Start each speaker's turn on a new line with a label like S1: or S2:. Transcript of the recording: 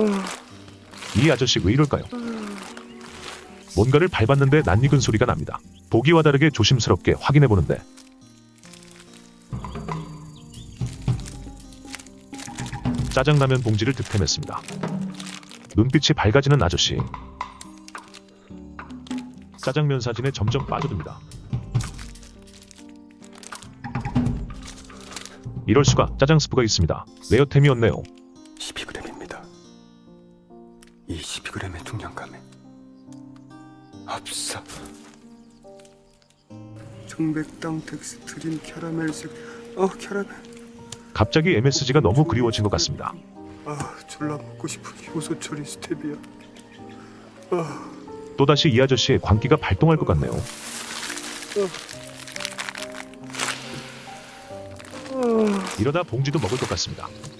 S1: 이 아저씨 왜 이럴까요? 뭔가를 밟았는데 낯익은 소리가 납니다. 보기와 다르게 조심스럽게 확인해보는데 짜장라면 봉지를 득템했습니다. 눈빛이 밝아지는 아저씨. 짜장면 사진에 점점 빠져듭니다. 이럴 수가, 짜장 스프가 있습니다. 레어템이었네요.
S2: 12g입니다. 이 12g의 중량감에 합사 청백당 텍스트린 캐러멜색 캐러멜.
S1: 갑자기 MSG가 너무 그리워진 것 같습니다.
S2: 졸라 먹고 싶은 효소 처리 스테비아.
S1: 또다시 이 아저씨의 광기가 발동할 것 같네요. 이러다 봉지도 먹을 것 같습니다.